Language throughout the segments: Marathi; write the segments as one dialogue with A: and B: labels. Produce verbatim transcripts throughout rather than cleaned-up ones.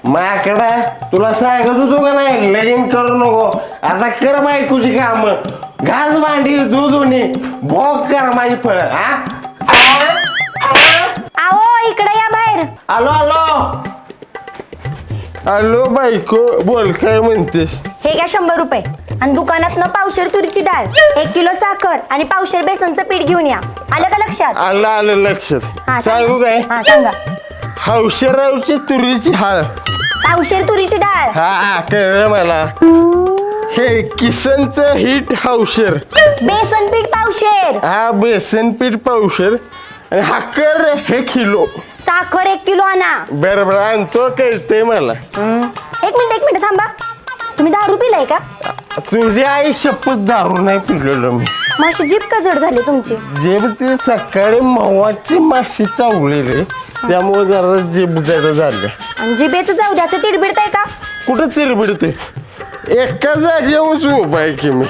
A: माकडा तुला सांगत होतो का नाही लगीन करू नको. आता कर बायकोची काम, घास भांडी दूध दोन्ही भोग कर माझी फळ. हा
B: आओ इकडे या बाहेर.
A: आलो आलो आलो बायको बोल काय म्हणतेस.
B: हे घ्या शंभर रुपये आणि दुकानात न पावशेर तुरीची डाळ, एक किलो साखर आणि पावशेर बेसनचं पीठ घेऊन या. आलं का लक्षात?
A: आलं आलं लक्षात.
B: हा,
A: सांगू काय
B: हा सांगा.
A: हौशेरावची तुरीची हाळ.
B: पावशेर तुरीची डाळ.
A: हा हा कळलं मला. हे किसनचं हिट हौशेर.
B: बेसन पीठ पावशेर.
A: हा बेसन पीठ पावशेर आणि हाकर हे किलो.
B: साखर एक किलो आणा.
A: बरं बरं आणतो कळतंय मला.
B: एक मिनिट एक मिनिट थांबा. तुम्ही दारू पिलाय का?
A: तुझी आई शपथ दारू नाही पिलेलो मी.
B: माशी जीभ का जड झाली तुमची?
A: जेब ते सकाळी मवाची माशी चावली रे त्यामुळे जरा जीभ जड झालं.
B: आणि जिभेचं जाऊ द्याचं तिडबिडताय का?
A: कुठं तिरबिडते एका जागेवर उभा आहे की मी.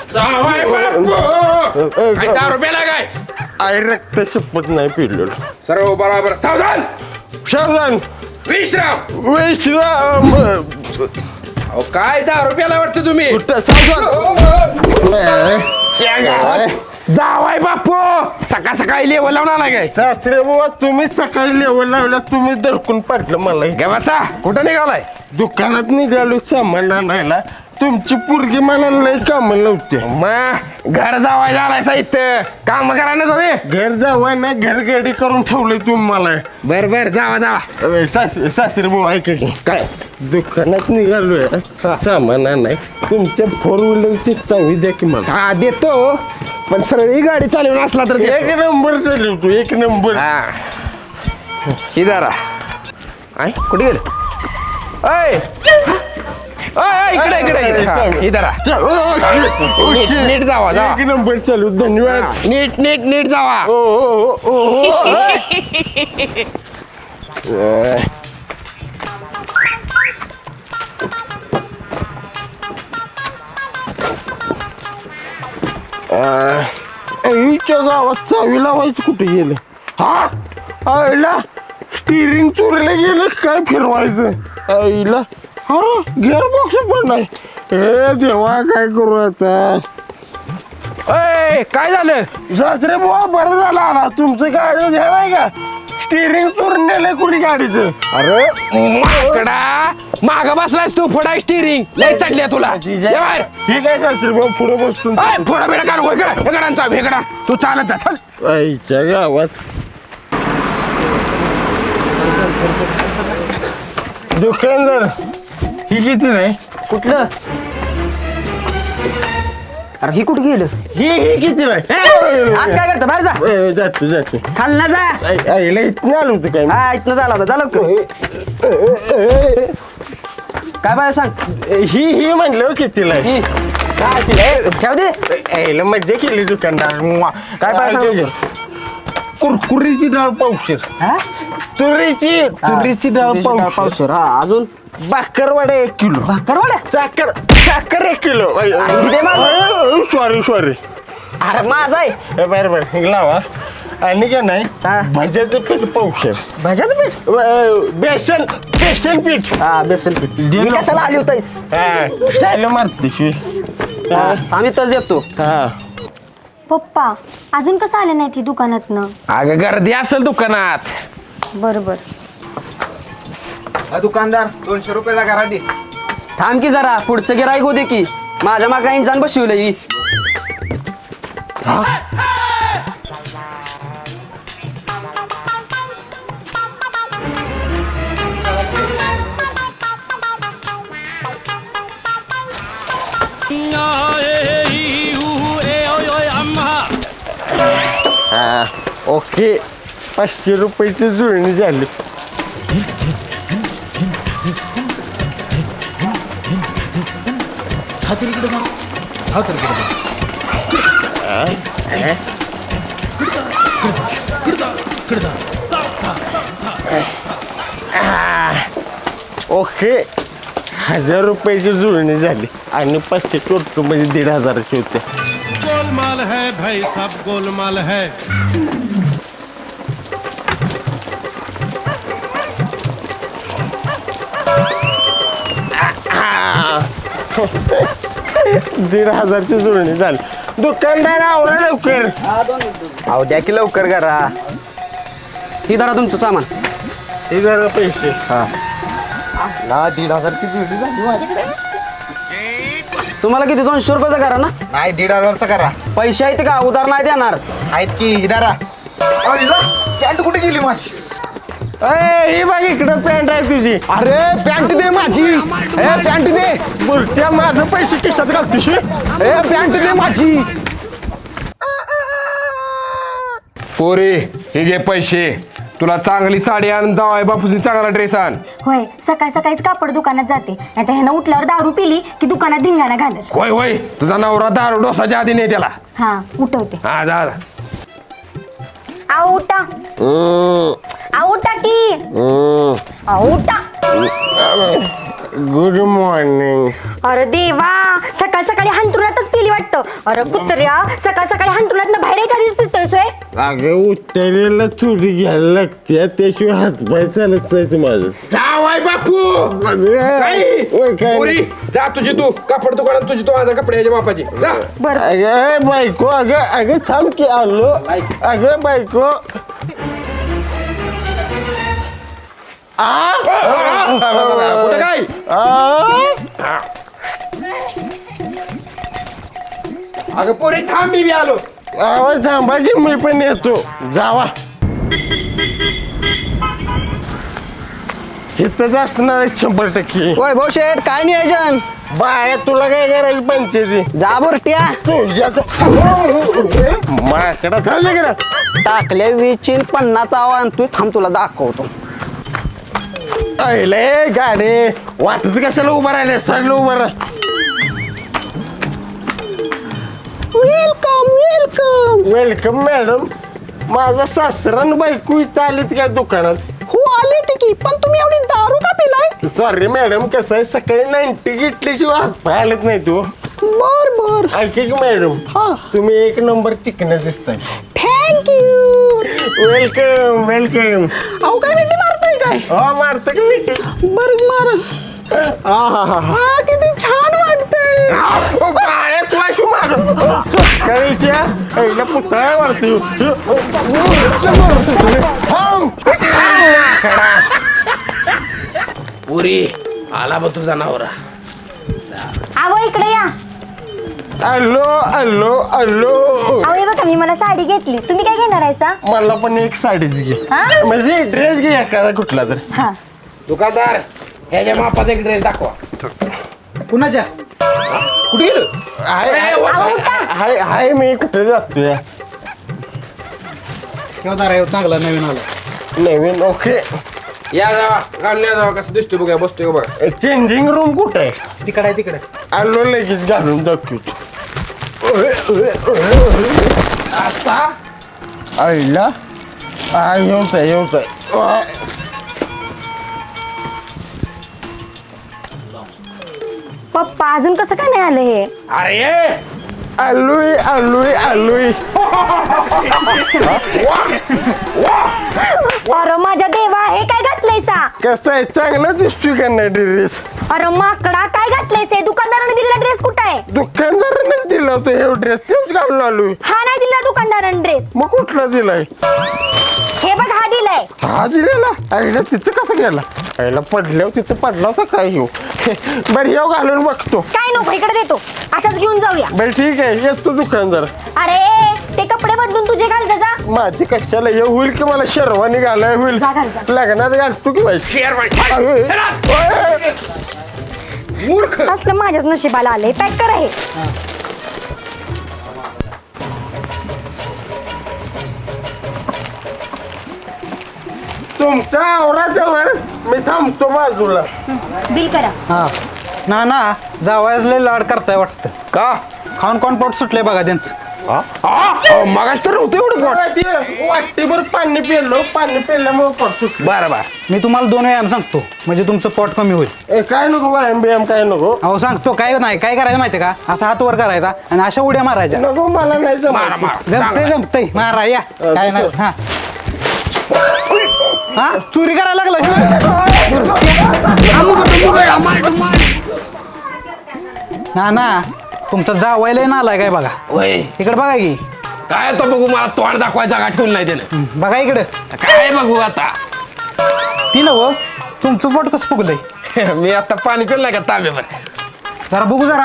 C: दहा रुपयाला काय
A: आई रक्त शपथ नाही पिलेलो.
C: सर्व बरोबर. सावधान
A: सावधान
C: विश्राम.
A: विश्राम.
C: अहो काय दहा रुपयाला वाटतं तुम्ही?
A: कुठं सावधान.
C: जावाय बापू सकाळ सकाळी लेवल लावून आला काय?
A: सासरे बाबा तुम्ही सकाळी लेवल लावला तुम्ही दडकून पाडलं मला.
C: गे बसा. कुठं निघालाय?
A: दुकानात निघालो सामान आणायला. तुमची पोरगी मला लय काम नव्हते.
C: मग घर जावाय झालाय साहित्य काम करा ना तुम्ही.
A: घर जावा ना घर गाडी करून ठेवलंय तुम्ही मला.
C: बर बर जावा जावा.
A: सासरे सासरे भाऊ ऐका की काय दुकानात निघालोय सामान आणाय. तुमच्या फोर व्हीलरची चावी द्या की मला.
C: हा देतो पण सरळी गाडी चालवून असला तर देतो.
A: एक नंबर चालवतो एक नंबर.
C: हा ही जरा आय कुठे गेलं? अय अय, इकडे इकडे इकडे. हा, ही जरा नीट नीट जावा जावा.
A: एक नंबर चालू धन्यवाद.
C: हा, नीट नीट नीट जावा.
A: ओ ओ ओ ओ आईच्या गावात चावी लावायचं कुठे गेलं. हा आईला स्टिअरिंग चोरीला गेलं काय फिरवायचं. आईला हा गिअर बॉक्स पण नाही. हे देवा काय करू आता.
C: अय काय झालं?
A: सासरे बुवा बरं झालं आला. तुमचं गाडी घ्या नाही का स्टिअरिंग चोरून नेलंय कुणी गाडीचं.
C: अरे माकडा माग बसलास तू फोडा स्टिअरिंग लय चढल्या तुला. ये बाहेर.
A: ठीक आहे सासरे बुवा पुढे बसतो.
C: अय फोडा बिडा काढू इकडे इकडांचा इकडा तू चालत जा चल.
A: आईच्या गावात दुकानदार ही किती नाही.
D: कुठलं? अरे ही कुठे गेलं?
A: ही ही किती नाही.
D: आज काय करतं? बाहेर जा.
A: ए, जातो जातो.
D: खाल ना जा.
A: आई- आईला इथं आलो होतं काय.
D: हा इथनं झाला होता. झालं का? काय बाय सांग.
A: ही ही म्हणलं कितीला आहे.
D: ही
A: काय तिला
D: ठेव दे.
A: आईला मज्जा केली दुकानदार. मुआ.
D: काय पाय सांगू?
A: कुरकुरीची डाळ पावशेर.
D: हा?
A: तुरीची तुरीची डाळ
D: तुरीची डाळ
A: पावशेर.
D: पावशेर. हा अजून
A: बाकरवाडा एक किलो.
D: भाकरवाड्या.
A: साखर साखर एक किलो.
D: दे माझं.
A: Sorry sorry.
D: अरे माझा आहे.
A: बरं बरं हे लावा. आणि काय नाही
D: हा.
A: भज्याचं पीठ पावशेर.
D: भज्याचं पीठ.
A: अ, बेसन बेसन पीठ.
D: हा बेसन पीठ. मी कशाला आली होतास?
A: हा स्टाईल मारते शिवी. हा
D: आम्ही तच देतो.
A: हा
B: पप्पा अजून कसं आले नाही ती दुकानातनं?
C: अगं गर्दी असेल दुकानात.
B: बरं बरं.
E: दुकानदार दोनशे रुपयाचा करा दे.
D: थांब की जरा पुढचं गिराईक होते की माझ्या मागा इंजान बसवलं ही.
A: हा ओके पाचशे रुपयाची जुळणी झाली. ओके हजार रुपयाची जुळणी झाली आणि पाचशे चोरतो म्हणजे दीड हजाराची होते.
F: गोलमाल है भाई सब गोलमाल है.
A: दीड हजारची जुळणी झाली. दुकानदार आवडा लवकर.
E: अहो द्या की लवकर करा.
D: ही धरा तुमचं सामान.
A: हे जरा पैसे.
E: ना दीड हजारची जुळणी झाली माझ्याकडे.
D: तुम्हाला किती दोनशे रुपयाचा करा ना.
E: नाही दीड हजारचा करा.
D: पैसे आहेत का उधार नाही देणार.
E: आहेत की इदारा. पॅन्ट कुठे गेली माझी?
A: अय ही बघ इकडं पॅन्ट आहे तुझी.
E: अरे पॅन्ट दे माझी. ए पॅन्ट दे.
A: बुरट्या माझं पैसे खिशात घालतोस.
E: ए पॅन्ट दे माझी.
C: पोरे हे घे पैसे. तुला चांगली साडी आण, जावाय बापूची चांगला ड्रेस आण.
B: होय सकाळ सकाळीच कापड दुकानात जाते नाहीतर ह्यानं उठल्यावर दारू पिली की दुकानात धिंगाणा घालत.
C: होय होय तुझा नवरा दारू डोसाच्या आधी नाही त्याला.
B: हा उठवते.
C: हा जा जा.
B: आऊ उठा. आऊ उठा की. आऊ उठा.
A: Good morning.
B: अरे देवा सकाळ सकाळी हंतरुणातच पिली वाटतं. अरे कुत्र्या सकाळ सकाळी हंतरुणात बाहेर येत आधीच पितोय सोय.
A: अगं उतरेला चोरी घ्यायला लागते त्याशिवाय हातपाय चालत नाही माझं.
C: जावाय बापू
A: काय
C: पोरी जा तुझी तू कापड दुकानात तुझी तू माझा कपड्याच्या बापाची जा.
B: बरं
A: अगं बायको अगं अगं थांब की आलो. अगं बायको. आ
C: कुठं काय
A: आ
C: अगं पोरी थांब मी बी आलो.
A: आवाज थांबा की मी पण येतो. जावा इथंच असणार आहे शंभर टक्के.
E: होय भाऊ शेठ काय नियोजन?
A: बाय तुला काय करायचं पंचायती
E: जा बुरट्या.
A: तुझ्या माकडा चालले कडा.
E: टाकले वीसची पन्नास आव्हान तू थांब तुला दाखवतो.
A: अरे गाडी वाटत कशाला उभा राहिले सरला उभा राह. Welcome welcome welcome madam. माझा सासरान बायको इथं आलीत काय दुकानात?
E: हो आले ते की पण तुम्ही एवढी दारू का पिलाय?
A: सॉरी मॅडम कसं आहे सकाळी नाईन्टी घेतल्याशिवाय हात पाय आलेत नाही तू.
E: बर बर
A: ऐका की मॅडम
E: हा.
A: तुम्ही एक नंबर चिकन दिसताय.
E: थँक्यू.
A: Welcome welcome.
E: अहो काय मिठी मारताय काय?
A: हो मारतं की मिठी.
E: बरं मार.
A: हा हा हा
E: हा किती छान वाटतंय.
A: बाळ्या तू अशी माग सकाळीच्या पहिला पुतळा मारते.
C: पोरी आला बा तुझा नवरा.
B: आव इकडे या.
A: अल्लो अल्लो अल्लो.
B: अहो हे बघा मी मला साडी घेतली तुम्ही काय घेणार आहे सा?
A: मला पण एक साडीच घे.
B: हा?
A: म्हणजे ड्रेस घे एखादा कुठला तर.
B: हा
C: दुकानदार ह्याच्या मापाचा एक ड्रेस दाखवा.
E: कुणाच्या?
C: कुठे गेलो?
A: हाय हाय हाय मी कुठे जातोय.
E: चांगला नवीन आला.
A: नवीन ओके.
C: या जावा घालून या जावा कसं दिसतोय बघा बसतोय बघा.
A: चेंजिंग रूम कुठे आहे?
E: तिकडे तिकडे.
A: आलो लगेच घालून दाखवतो.
C: आता
A: आईला हा येऊच आहे येऊच आहे.
B: पप्पा अजून कसं काय नाही आलं हे?
C: अरे
A: आलोय आलोय आलोय.
B: अरे माझ्या देवा हे काय घातलंय सा?
A: कसं आहे चांगला दिसतोय का नाही ड्रेस?
B: अरे माकडा काय घातलंय से? दुकानदाराने दिलेला ड्रेस कुठं आहे?
A: दुकानदारानेच दिला होता हे ड्रेस तेच घालून आलोय.
B: हा नाही दिला दुकानदाराने ड्रेस.
A: मग कुठला दिलाय?
B: हे बघ हा दिलाय.
A: हा दिलेला. आईला तिथं कसं गेला? आईला पडल्यावर तिथं पडला होता काय येऊ. बरं येऊ घालून बघतो.
B: काय नको इकडे देतो आताच घेऊन जाऊया.
A: बरं ठीक आहे येतो दुकानदार.
B: अरे ते कपडे बदलून तुझे घाल जा जा.
A: माझी कशाला येऊ होईल की मला शेरवानी घालाय होईल.
B: जा घाल जा.
A: लग्नात घालतो की बाई.
C: मूर्ख.
B: असलं माझ्याच नशिबाला आलंय. पॅक करा हे.
A: तुमचा आवराजवळ मी थांबतो बाजूला.
B: बिल करा.
G: हा ना ना जावयाच लय लाड करताय वाटतं.
C: का
G: खाऊन कोण पोट सुटलंय बघा त्यांचं.
C: मगाच तर नव्हतं एवढं पोट.
A: वाटीभर पाणी पिलो पाणी पिल्यामुळे पडतो.
C: बरं बरं
G: मी तुम्हाला दोन व्यायाम सांगतो म्हणजे तुमचं पोट कमी होईल.
A: काय नको व्यायाम बियाम काय नको.
G: अहो सांगतो काय नाही काय करायचं माहितीये का असा हात वर करायचा आणि अशा उड्या मारायच्या.
A: नको मला नाही
C: मारा
A: जमत.
C: मारा
G: जमतंय जमतंय मारा या काय नाही. हा हा चोरी करायला लागला. ना ना तुमचं जावायला ना आलाय काय बघा
C: वय
G: इकडे बघा की
C: काय तो बघू मला तोंड दाखवायचा जागा ठेवून नाही त्यानं
G: बघा इकडे
C: काय बघू आता
G: ती नव तुमचं पोट कसं फुगलंय
C: मी आता पाणी पिलं नाही का तांब्यावर
G: जरा बघू जरा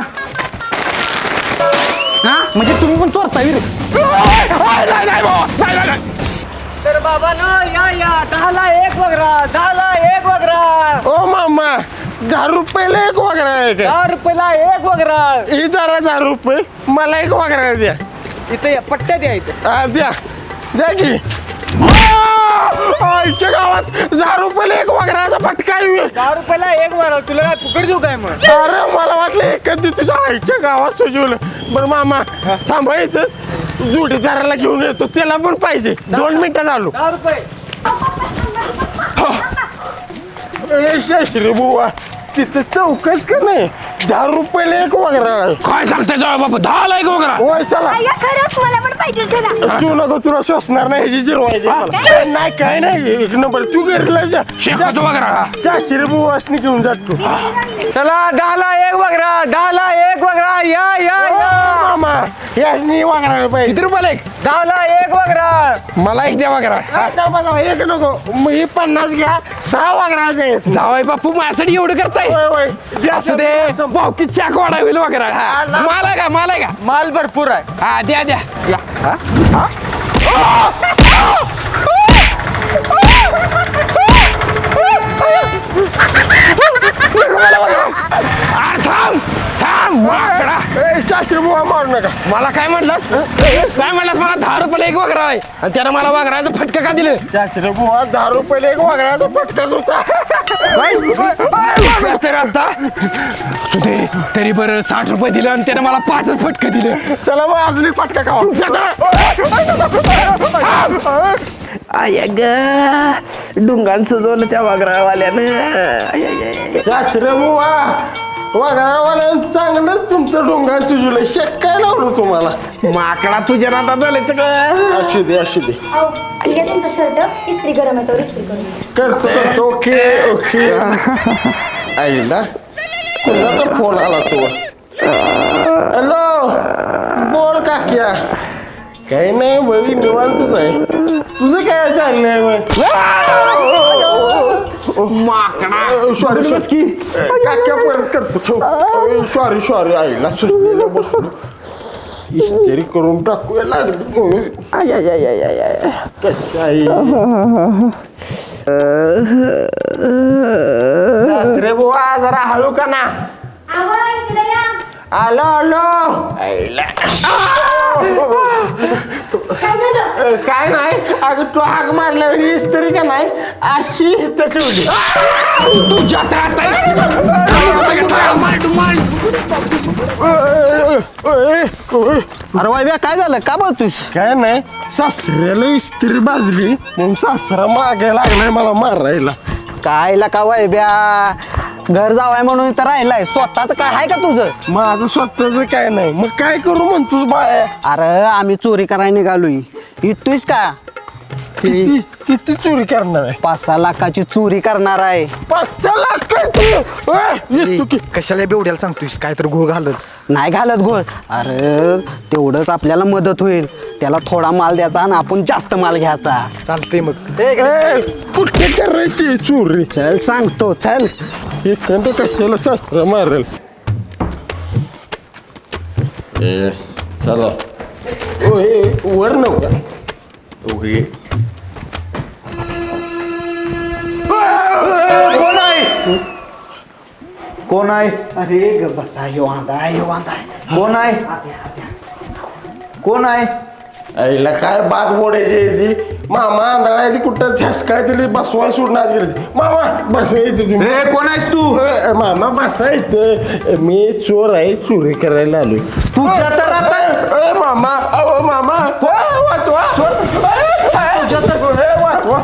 G: हा म्हणजे तुम्ही पण चोरताय रे
C: नाही नाही भाऊ, नाही, नाही, नाही.
D: तर बाबा ना या या दहाला एक वगरा दहाला एक वगरा
A: ओ मामा दहा रुपयाला एक वागरा आहे का
D: दहा रुपयाला एक वगरा
A: ही जरा दहा रुपये मला एक वागरा द्या
D: इथे पट्ट्या द्या इथे
A: हा, द्या द्या की आईच्या गावात दहा रुपयाला एक वागराचा फटका आहे.
D: दहा रुपयाला एक वगरा तुला काय फुकट देऊ काय मग
A: अरे मला वाटलं एकच दिवस तुझ्या आईच्या गावात सुजवलं बरं मामा थांबा इथं जोडीदाराला घेऊन येतो त्याला पण पाहिजे दोन मिनिटात आलो
D: दहा रुपये
A: ए, शास्त्री बुवा तिथं चौकच का नाही दहा रुपयाला एक वगैरे
C: काय सांगताय जाऊ बापू दहा लाईक वगैरे
A: होय चला
B: अय्या खरंच मला पण पाहिजे चला
A: तू नको तुला श्वसणार नाही ह्याची जिरवायची मला. नाही काय नाही एक नंबर तू घरला जा
C: शेकाचं वगैरे
A: शास्त्री बुवासनी घेऊन जातो
D: चला दहाला एक वगरा दहाला एक वगरा या या या
A: मामा यासनी वागणार पाहिजे
C: किती रुपयाला एक
D: दहाला एक वगरा
C: मला एक द्या वगैरे
A: हा, थांबा, थांबा, एक नको मग ही पन्नास घ्या सहा वागणार द्यायचं
C: जावाय बापू माझ्यासाठी एवढं करताय
A: होय होय द्या
C: असू दे भाऊकी चाक वाढा होईल वगैरे हा माल आहे का माल आहे का
D: माल भरपूर आहे
C: हा द्या द्या या. हा? हा? अरे थांब थांब माकडा.
A: ए, शास्त्री बुवा मारू नका
C: मला काय म्हणलास काय म्हणलास मला दहा रुपयाला एक वगैरे आहे आणि त्यानं मला वागरायचं फटकं का दिलं
A: शास्त्री बुवा दहा रुपयाला एक वागण्याचा फटकाच होता
C: काय तर आता असू दे तरी बरं साठ रुपये दिलं आणि त्यानं मला पाचच फटकं दिलं
A: चला मग अजून एक फटका खावा
C: आय ग डुंगान सजवलं त्या वागरावाल्यानं
A: शास्त्री बुवा वाघरावाल्यानं चांगलंच तुमचं डोंगर सुजलं शेक काय लावलं तुम्हाला
C: माकडा तुझ्या नादात झालं सगळं
A: असू दे असू दे
B: अहो, ठीक आहे तुमचा शर्ट इस्त्री गरम आहे तो इस्त्री करून
A: करतो करतो ओके ओके आईला कोणाचा फोन आला तो हॅलो बोल काक्या काही नाही बघी निवांतच आहे तुझं काय चाललंय
C: माकडा
A: सॉरी सॉरी काक्या परत करतो सॉरी सॉरी आईला सुटलेलं बसून इस्त्री करून टाकूया लागली कशी आई सासरे बुवा जरा हळू का ना
B: अहो इकडे या
A: आलो आलो आईला
B: काय झालं
A: काय नाही अगं तू हाक मारल्यावर ही इस्त्री का नाही अशी इथं ठेवली
C: तुझ्या
D: अरे वायब्या काय झालं का बोलतोस
A: काय नाही सासऱ्याला इस्त्री बाजली म्हणून सासरा मागे लागलाय मला मारायला
D: कायला का वायब्या घर जावाय म्हणून इथं राहिलाय स्वतःच काय आहे का तुझं
A: माझं स्वतःच काय नाही मग काय करू म्हणतोस बाळ्या
D: अरे आम्ही चोरी करायला निघालोय इतूस का
A: किती किती चोरी करणार आहे
D: पाच सहा लाखाची चोरी करणार आहे
A: पाच सहा लाख काय तू ओय, येतो की
G: कशाला बेवड्याला सांगतोयस काय तर घो घालत
D: नाही घालत गो अरे तेवढंच आपल्याला मदत होईल त्याला थोडा माल द्यायचा आणि आपण जास्त माल घ्यायचा
G: चालतंय मग
A: ए, कुठे करायची चोरी
D: चल सांगतो चल
A: हे कंड कशाला सासरा मारेल ए चला ओ हे वर नव्हता ओके
E: कोण आहे कोण आहे
D: अरे बसा यो वांदा यो वांदा
E: कोण आहे कोण आहे
A: आईला काय बात बोडायची ती मामा आंधळा ती कुठं झसकाय तिला बसवाय सोडणार गेली मामा बसायचं तुम्ही
E: ए कोण आहेस तू
A: ए, मामा बसायचं मी चोर आहे चोरी करायला आलोय
E: तुझ्या तर आता
A: ए, मामा अहो मामा ए, वाचवा ए, तुझ्या तर ए, वाचवा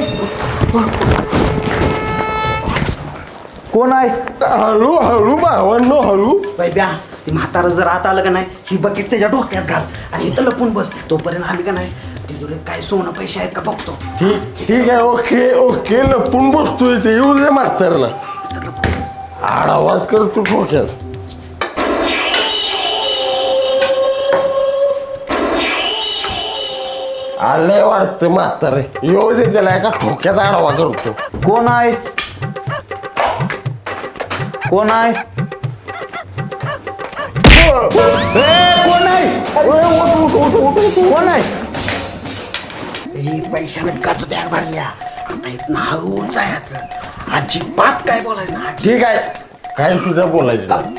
E: कोण आहे
A: हळू हळू भावांनो हळू
D: बैब्या ती म्हातारा जर आत आलं का नाही ही बकेट त्याच्या डोक्यात घाल आणि इथं लपून बस तोपर्यंत आम्ही का नाही तिजोरीत काय सोनं पैसे आहेत का बघतो
A: ठीक ठीक आहे ओके ओके लपून बसतोय ते येऊ दे म्हातारला आड आवाज करतो डोक्यात आलंय वाटतं म्हातारे येऊ दे त्याला एका ठोक्याचा आडवा करतो.
E: कोण आहे कोण आहे ए, कोण आहे कोण आहे
D: हे पैशाने गच बॅग भरल्या आता इथं हळू जायचं अजिबात काय बोलायचं नाही.
A: ठीक आहे काय सुद्धा बोलायचं.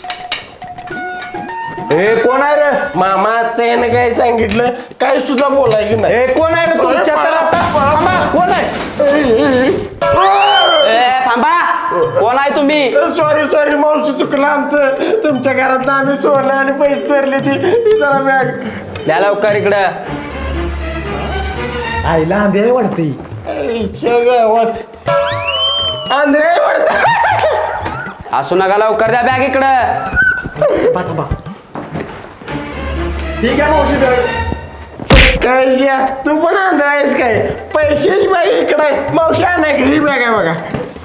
E: ए कोण आहे रे
A: मामा त्याने काय सांगितलं काय सुद्धा बोलायचं नाही.
E: ए कोण आहे रे तुमच्या तर आता थांबा, कोण आहे
C: थांबा कोण आहे तुम्ही?
A: सॉरी सॉरी मावशी चुकलं आमचं. तुमच्या घरात आम्ही सोनं आणि पैसे चोरले ती जरा बॅग.
C: द्या लवकर इकडं.
E: आईला आंधळे वाटते
A: आईच्या गावात आंधळे वाटतं.
C: असू नका लवकर द्या बॅग इकडं.
E: थांबा थांबा ठीक आहे मावशी बॅग
A: काय घ्या तू पण आंधळा आहेस काय? पैशाची बॅग इकडे आहे. मावशी नाही ही बॅग आहे बघा.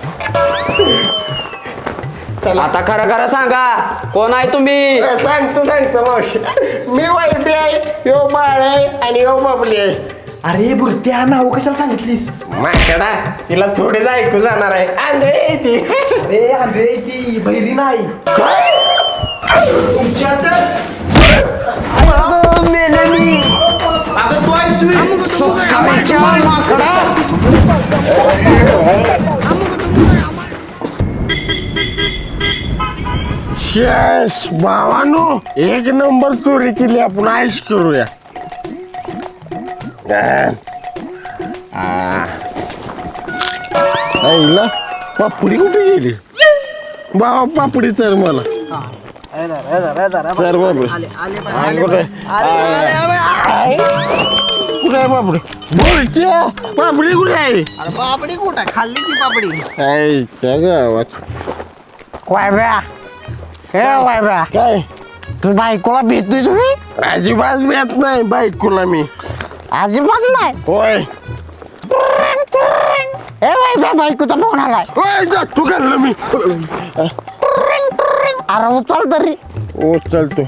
A: चला
C: आता खरं खरं सांगा कोण आहे तुम्ही?
A: सांगतो सांगतो मावशी. मी वाईटी आहे यो बाळ आहे आणि यो बाबली आहे.
E: अरे बुरट्या नाव कशाला सांगितलीस
A: माकडा तिला थोडीच ऐकू जाणार आहे. आंधळे आहे ती.
E: अरे आंधळे ती बहिरी नाही
A: काय
E: अगं तू आहेस
A: शेष भावानो एक नंबर चोरी केली आपण आईश करूया. आईला पापडी कुठे गेली? बाबा पापडी तर मला तर बाबा कुठे कुठे आहे पापडी? बोलच्या पापडी कुठे आहे?
D: पापडी कुठं खाल्ली ती पापडी
A: आईच्या गावात
H: वायब्या हे वायब्या
A: काय
H: तू बायकोला भेटतोय तुम्ही?
A: अजिबात भेट नाही बायकोला मी.
H: अजिबात नाही.
A: होय
H: हे वायब्या बायकोचा फोन आलाय.
A: होय जा तू घाललं मी.
H: अरे उचल तरी.
A: ओ चलतो.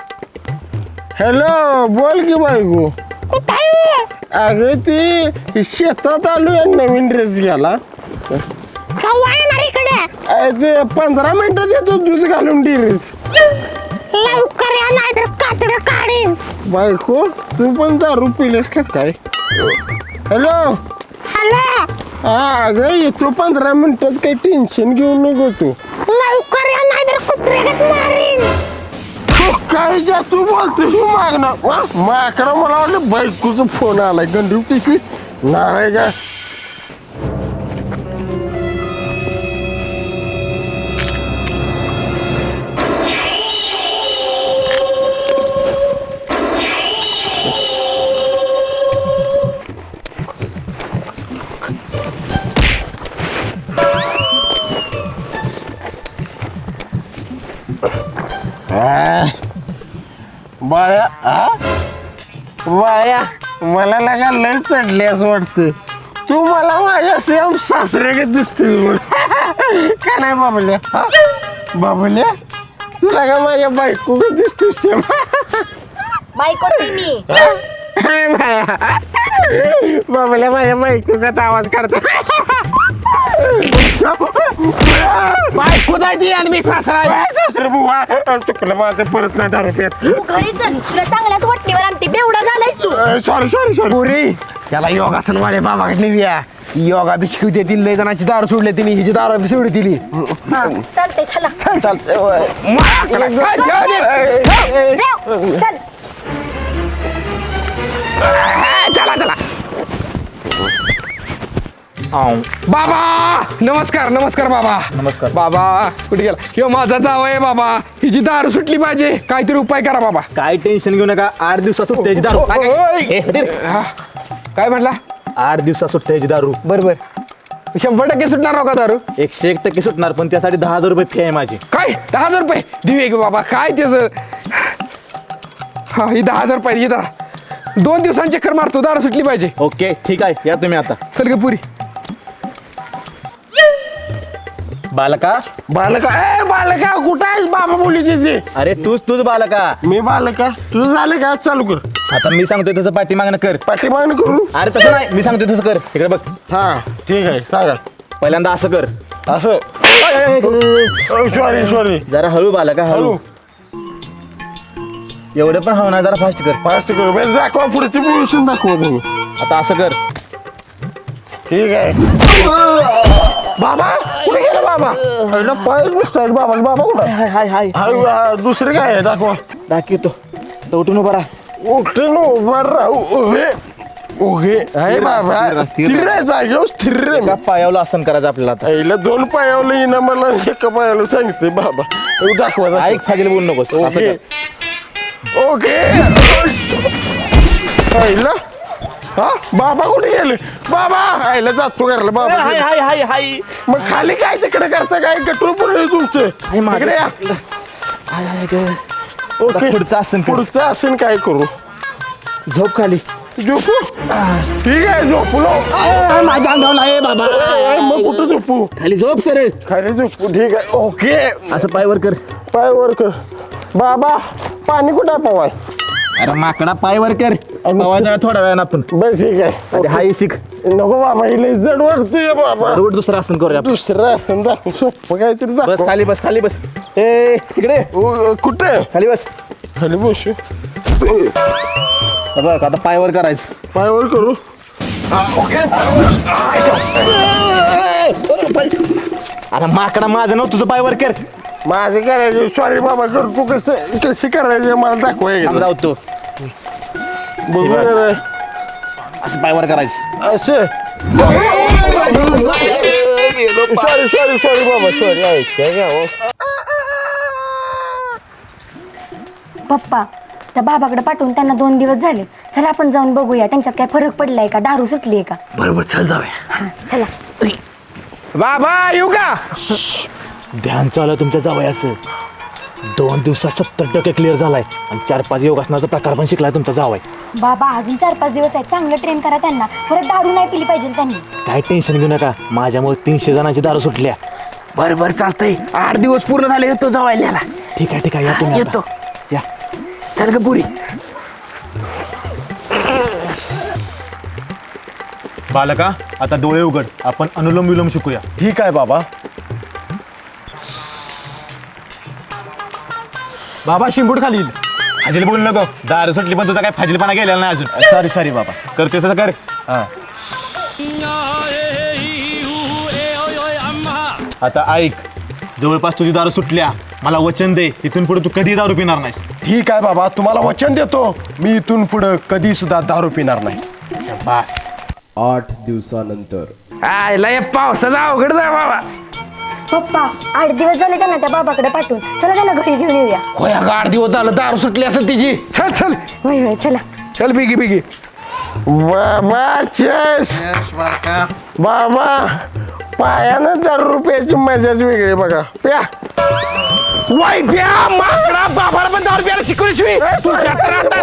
A: हॅलो बोल की बायको. अगं ती शेतात आलो नवीन ड्रेस घ्यायला.
H: केव्हा येणार इकडे?
A: अरे ते पंधरा मिनिटात येतो दूध घालून ड्रेस.
H: लवकर या नाही तर कातडं काढीन.
A: बायको तू पण दारू पिलेस का काय? हॅलो
H: हॅलो
A: हा अगं येतो पंधरा मिनिटात काही टेन्शन घेऊ नको तू.
H: लवकर या नाही तर कुत्र्यागत मारीन.
A: तू काय जा तू बोलतोस तू मागणं माकडं मला वाटलं बायकोचा फोन आलाय गंडूची नाराय का. बाळ्या हा बाळ्या मला लगा लय चढले असं वाटतं. तू मला माझ्या सेम सासऱ्याकडे दिसतोय का नाही बाबल्या? हा? बाबल्या तुला का माझ्या बायको दिसतोय सेम?
B: बायको नाही मी.
A: बाबल्या माझ्या बायको का आवाज काढतो.
C: बायको जायची आणि मी सासरा आहे.
A: सासरे बुवा चुकलं माझं परत नाही दारू पेत.
B: घरी चल तुला चांगल्याच वटणीवर आणते. बेवडा झालायस तू.
A: Sorry sorry sorry.
C: पुरी त्याला योगासन वाले बाबाकडे नेऊया. योगा बी शिकवते ती लय जणांची दारू सोडली तिने हिची दारू बी सोडली तिली.
B: हा चालते चला.
A: चालतंय
B: चल
C: चला चला बाबा नमस्कार नमस्कार बाबा.
E: नमस्कार.
C: बाबा कुठे गेला? ह्यो माझा जावं आहे बाबा. हिची दारू सुटली पाहिजे. काहीतरी उपाय करा बाबा.
E: काय टेन्शन घेऊ नका आठ दिवसात सुट्ट्याची दारू
C: ओय. हा. काय म्हटला?
E: आठ दिवसात सुट्ट्याची दारू
C: बर बर शंभर टक्के सुटणार का दारू?
E: एकशे एक टक्के सुटणार पण त्यासाठी दहा हजार रुपये फी आहे माझी.
C: काय दहा हजार रुपये देऊया की बाबा? काय त्याचं हा ही दहा हजार रुपये ही दारा दोन दिवसांची चक्कर मारतो. दारू सुटली पाहिजे.
E: ओके ठीक आहे या तुम्ही आता.
C: चल ग पुरी.
E: बालका
A: बालका ए बालका कुठं आहेस? बाबा बोली तिथे.
E: अरे तूच तूच बालका.
A: मी बालका तुझं झालं का? चालू कर.
E: आता मी सांगतोय तसं पाठी मागणं कर.
A: पाठीमागणं करू
E: अरे तसं नाही, मी सांगतोय तसं कर. इकडे बघ,
A: हा ठीक आहे सांगा
E: पहिल्यांदा असं कर.
A: असं सॉरी सॉरी
E: जरा हळू बाला का हळू.
A: हळू
E: एवढं पण हवं ना, जरा फास्ट कर.
A: फास्ट करू म्हणजे दाखवा पुढची पोझिशन दाखवा तुम्ही
E: आता असं कर.
A: ठीक आहे बाबा कुठे गेला बाबा पहिला पायच मिस्टर बाबा बाबा कुठे
E: हाय हाय हाय
A: हाय हा, दुसरे काय आहे दाखवा
E: दाखवतो. तर उठून उभा राहा.
A: उठून उभा राहू उभे उभे आहे बाबा
E: स्थिर.
A: स्थिर आहे जागेवर स्थिर रे
E: एका पायावलं आसन करायचं आपल्याला आता.
A: पहिलं दोन पायावलं येणं मला एका पायाला सांगते बाबा हे दाखवा दाखवा.
E: ऐक फाजील बोलू नकोस. असं
A: ओके
E: कर.
A: ओके पहिलं हा बाबा कुठे गेले बाबा आईला जातो घरला बाबा
E: हाय हाय हाय हाय
A: मग खाली काय तिकडे करता काय गटूळ पडले तुमचे
E: मागे.
A: इकडे या
E: हाय हाय ग.
A: ओके
E: पुढचं आसन कर.
A: पुढचं आसन काय करू
E: झोप खाली.
A: झोपू ठीक आहे झोपलो
E: माझ्या अंगावर आहे बाबा.
A: ए, मग कुठं झोपू
E: खाली झोप सर.
A: खाली झोपू ठीक आहे ओके
E: असं पायवर कर.
A: पाय वर कर बाबा पाणी कुठं आहे पवाय
E: अरे माकडा पायवर कर. पवायचा थोड्या वेळानं आपण.
A: बरं ठीक आहे
E: अरे हाय शिक.
A: नको बाबा इले जड वाटतंय बाबा
E: रोड दुसरं आसन करूया आपण.
A: दुसरं आसन दाखव सोपं काहीतरी
E: बस
A: दाखव
E: खाली बस खाली बस. ए तिकडे
A: ओ, कुठे
E: खाली बस.
A: खाली बसू
E: बघ आता पायवर करायचं.
A: पायावर करू
E: अरे माकडा माझं नव्ह तुझं पायवर कर.
A: माझं करायचं सॉरी बाबा करतो कसं कशी करायचं मला दाखवाय
E: थांब जाऊ तू.
A: बघू जरा.
E: असं पायवर करायचं.
A: असं सॉरी सॉरी सॉरी बाबा सॉरी ऐक
B: पप्पा त्या बाबाकडे पाठवून त्यांना दोन दिवस झाले. चला आपण जाऊन बघूया त्यांच्यात काय फरक पडलाय का, दारू सुटली आहे का.
E: बरोबर चल जाऊया.
B: हा चला.
C: बाबा येऊ का
E: ध्यान चालू तुमच्या जावयाचं. दोन दिवसात सत्तर टक्के क्लिअर झालाय आणि चार पाच योगासनाचा प्रकार पण शिकलाय तुमचा जावाय.
B: बाबा अजून चार पाच दिवस आहेत, चांगलं ट्रेन करा त्यांना. परत दारू नाही पिली पाहिजे त्यांनी.
E: काय टेन्शन घेऊ नका, माझ्यामुळे तीनशे जणांची दारू सुटल्या.
C: बरं बरं चालतंय. आठ दिवस पूर्ण झाले येतो जावायला.
E: ठीक आहे ठीक आहे या तुम्ही आता.
C: येतो.
E: या
C: चल ग पुरी.
E: बालका आता डोळे उघड, आपण अनुलोम विलोम शिकूया.
A: ठीक आहे बाबा
E: बाबा शिंबूड खाली फाजील बोलू नको. दारू सुटली पण तुझा काय फाजीलपणा गेलेला नाही अजून. सॉरी सॉरी बाबा. करतोय तसं कर. हा आता ऐक, जवळपास तुझी दारू सुटल्या. मला वचन दे इथून पुढे तू कधी दारू पिणार नाहीस.
A: ठीक आहे बाबा तुम्हाला वचन देतो मी इथून पुढे कधी सुद्धा दारू पिणार नाही
E: बास.
I: आठ दिवसानंतर
C: आयला या पावसाचा अवघड जा बाबा.
B: पप्पा आठ दिवस झाले त्यांना त्या बाबाकडे पाठवून. चला त्यांना घरी घेऊन येऊया.
C: होय अगं आठ दिवस झालं दारू सुटली असेल तिची. चल चल
B: होय होय चला.
C: चल बिगी बिगी.
A: बाबा चेस बाबा पायानं दारू रुपयाची मजाच वेगळी बघा प्या
C: वाई प्या माकडा बाबाला पण दारू प्यायला शिकवली शिवी. तुझ्या तर आता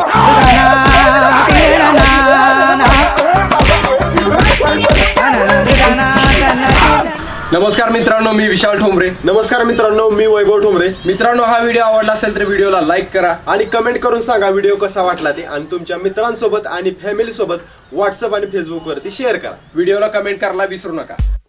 J: नमस्कार मित्रांनो, मी विशाल ठोंबरे.
A: नमस्कार मित्रांनो मी वैभव ठोंबरे.
J: मित्रांनो, हा व्हिडिओ आवडला असेल तर व्हिडिओला लाईक करा
A: आणि कमेंट करून सांगा व्हिडिओ कसा वाटला ते आणि तुमच्या मित्रांसोबत आणि फॅमिली सोबत व्हॉट्सअप आणि फेसबुक वरती शेअर करा.
J: व्हिडिओला कमेंट करायला विसरू नका.